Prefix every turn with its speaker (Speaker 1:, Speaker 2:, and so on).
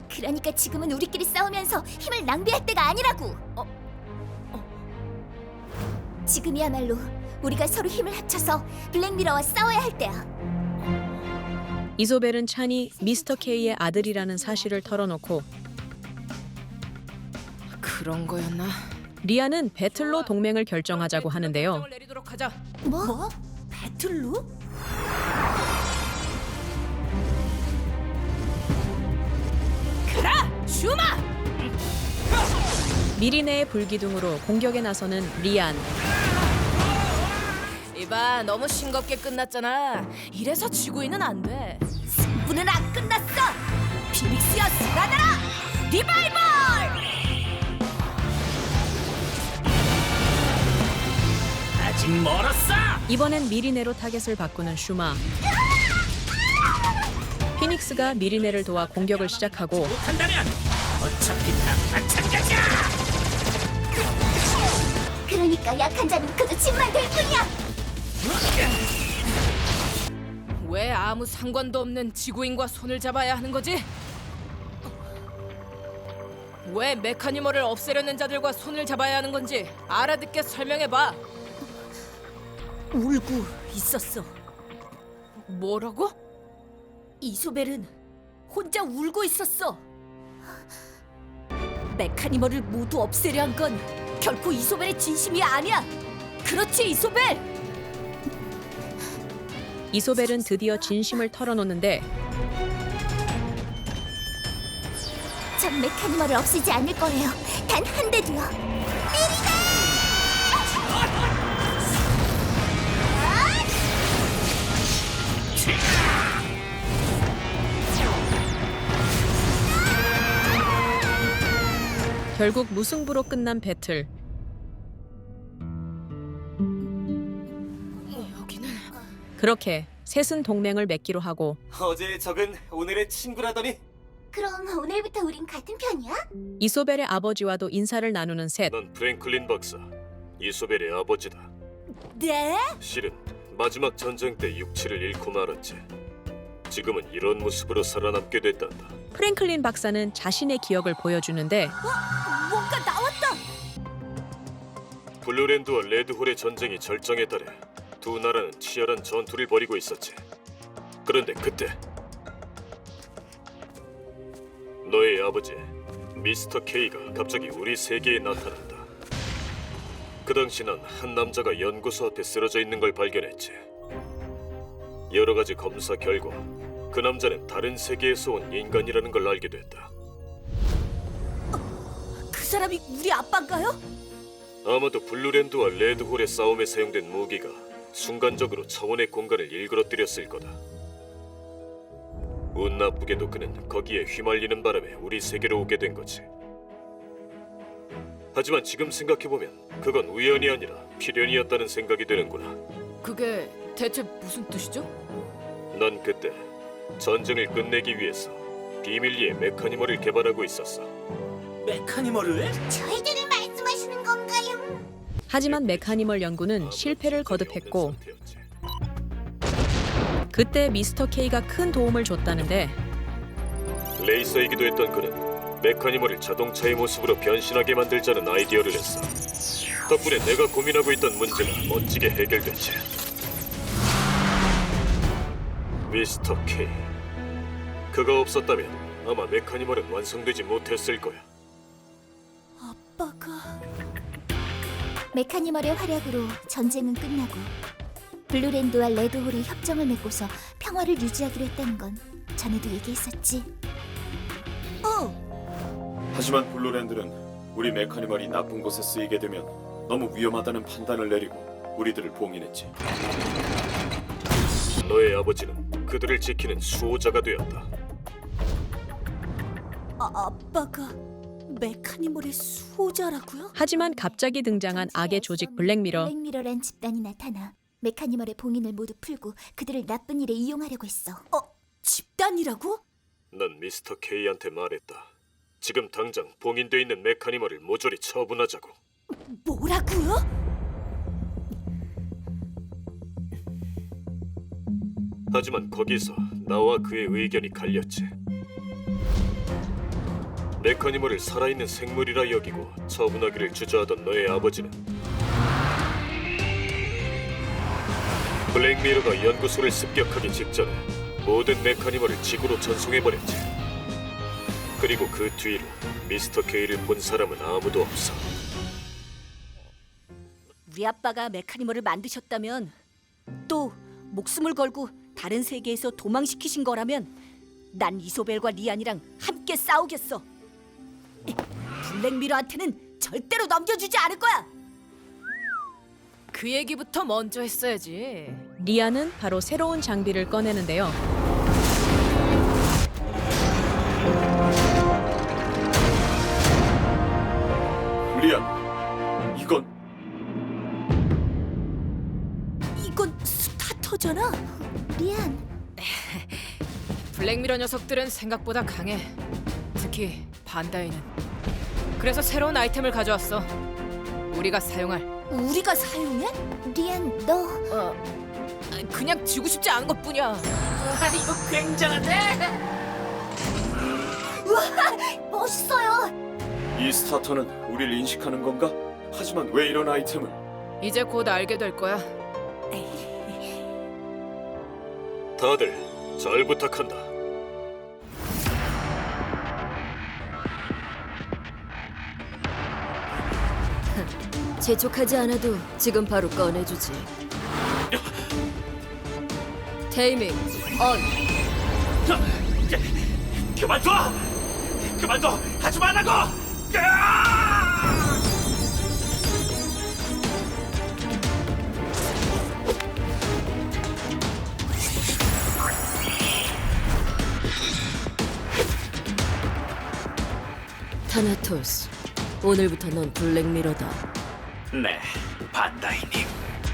Speaker 1: 그러니까 지금은 우리끼리 싸우면서 힘을 낭비할 때가 아니라고. 지금이야말로 우리가 서로 힘을 합쳐서 블랙미러와 싸워야 할 때야.
Speaker 2: 이소벨은 찬이 미스터 K의 아들이라는 사실을 털어놓고
Speaker 3: 그런 거였나?
Speaker 2: 리아는 배틀로 동맹을 결정하자고 하는데요.
Speaker 3: 결정을 내리도록 하자.
Speaker 1: 뭐? 배틀로?
Speaker 3: 가라, 슈마!
Speaker 2: 미리네의 불기둥으로 공격에 나서는 리안.
Speaker 3: 이봐, 너무 싱겁게 끝났잖아. 이래서 지구인은 안 돼.
Speaker 1: 승부는 안 끝났어. 피닉스여 살아나라. 리바이벌!
Speaker 4: 아직 멀었어!
Speaker 2: 이번엔 미리네로 타겟을 바꾸는 슈마. 피닉스가 미리네를 도와 공격을 시작하고
Speaker 4: 한다면 어차피 다 마찬가지야!
Speaker 1: 그러니까 약한 자는 그저 짐만 될 뿐이야.
Speaker 3: 왜 아무 상관도 없는 지구인과 손을 잡아야 하는 거지? 왜 메카니멀을 없애려는 자들과 손을 잡아야 하는 건지 알아듣게 설명해봐.
Speaker 1: 울고 있었어.
Speaker 3: 뭐라고?
Speaker 1: 이소벨은 혼자 울고 있었어. 메카니멀을 모두 없애려 한 건 결코 이소벨의 진심이 아니야. 그렇지, 이소벨?
Speaker 2: 이소벨은 드디어 진심을 털어놓는데
Speaker 1: 전 메카니멀을 없애지 않을 거예요. 단 한 대도요.
Speaker 2: 결국 무승부로 끝난 배틀.
Speaker 3: 여기는
Speaker 2: 그렇게 셋은 동맹을 맺기로 하고
Speaker 5: 어제의 적은 오늘의 친구라더니
Speaker 1: 그럼 오늘부터 우린 같은 편이야?
Speaker 2: 이소벨의 아버지와도 인사를 나누는 셋.
Speaker 6: 넌 프랭클린 박사, 이소벨의 아버지다.
Speaker 1: 네?
Speaker 6: 실은 마지막 전쟁 때 육체를 잃고 말았지. 지금은 이런 모습으로 살아남게 됐단다.
Speaker 2: 프랭클린 박사는 자신의 기억을 보여주는데
Speaker 1: 뭔가 나왔다.
Speaker 6: 블루랜드와 레드홀의 전쟁이 절정에 달해 두 나라는 치열한 전투를 벌이고 있었지. 그런데 그때 너의 아버지 미스터 K가 갑자기 우리 세계에 나타난다. 그 당시 난 한 남자가 연구소 앞에 쓰러져 있는 걸 발견했지. 여러 가지 검사 결과 그 남자는 다른 세계에서 온 인간이라는 걸 알게 됐다.
Speaker 1: 그 사람이 우리 아빠인가요?
Speaker 6: 아마도 블루랜드와 레드홀의 싸움에 사용된 무기가 순간적으로 차원의 공간을 일그러뜨렸을 거다. 운 나쁘게도 그는 거기에 휘말리는 바람에 우리 세계로 오게 된 거지. 하지만 지금 생각해보면 그건 우연이 아니라 필연이었다는 생각이 드는구나.
Speaker 3: 그게 대체 무슨 뜻이죠?
Speaker 6: 난 그때 전쟁을 끝내기 위해서 비밀리에 메카니멀을 개발하고 있었어.
Speaker 4: 메카니멀을?
Speaker 1: 저희들을 말씀하시는 건가요?
Speaker 2: 하지만 메카니멀 연구는 실패를 거듭했고 그때 미스터 K가 큰 도움을 줬다는데
Speaker 6: 레이서이기도 했던 그는 메카니멀을 자동차의 모습으로 변신하게 만들자는 아이디어를 했어. 덕분에 내가 고민하고 있던 문제가 멋지게 해결됐지. 미스터 K. 그가 없었다면 아마 메카니멀은 완성되지 못했을 거야.
Speaker 1: 아빠가... 메카니멀의 활약으로 전쟁은 끝나고 블루랜드와 레드홀이 협정을 맺고서 평화를 유지하기로 했다는 건 전에도 얘기했었지.
Speaker 7: 하지만 블루랜드는 우리 메카니멀이 나쁜 곳에 쓰이게 되면 너무 위험하다는 판단을 내리고 우리들을 봉인했지.
Speaker 6: 너의 아버지는 그들을 지키는 수호자가 되었다.
Speaker 1: 아빠가 메카니멀의 수호자라고요?
Speaker 2: 하지만 갑자기 등장한 악의 조직 블랙미러.
Speaker 1: 블랙미러란 집단이 나타나 메카니멀의 봉인을 모두 풀고 그들을 나쁜 일에 이용하려고 했어. 집단이라고?
Speaker 6: 난 미스터 K한테 말했다. 지금 당장 봉인돼 있는 메카니멀을 모조리 처분하자고.
Speaker 1: 뭐라고요?
Speaker 6: 하지만 거기서 나와 그의 의견이 갈렸지. 메카니멀을 살아있는 생물이라 여기고 처분하기를 주저하던 너의 아버지는 블랙미러가 연구소를 습격하기 직전에 모든 메카니멀을 지구로 전송해버렸지. 그리고 그 뒤로 미스터 K를 본 사람은 아무도 없어.
Speaker 8: 우리 아빠가 메카니멀을 만드셨다면, 또 목숨을 걸고 다른 세계에서 도망시키신 거라면, 난 이소벨과 리안이랑 함께 싸우겠어. 블랙미러한테는 절대로 넘겨주지 않을 거야.
Speaker 3: 그 얘기부터 먼저 했어야지.
Speaker 2: 리아는 바로 새로운 장비를 꺼내는데요.
Speaker 7: 리안, 이건
Speaker 8: 이건 스타터잖아.
Speaker 1: 리안,
Speaker 3: 블랙미러 녀석들은 생각보다 강해. 특히 반다이는. 그래서 새로운 아이템을 가져왔어. 우리가 사용할.
Speaker 8: 우리가 사용해?
Speaker 1: 리안, 너
Speaker 3: 그냥 지고 싶지 않은 것뿐이야.
Speaker 4: 아, 이거 굉장한데?
Speaker 1: 멋있어요.
Speaker 7: 이 스타터는 우리를 인식하는 건가? 하지만 왜 이런 아이템을?
Speaker 3: 이제 곧 알게 될 거야.
Speaker 6: 다들 잘 부탁한다.
Speaker 8: 재촉하지 않아도 지금 바로 꺼내주지. 테이밍 온.
Speaker 4: 그만둬! 그만둬! 하지 말라고!
Speaker 8: 타나토스, 오늘부터 넌 블랙미러다.
Speaker 4: 네, 반다이님.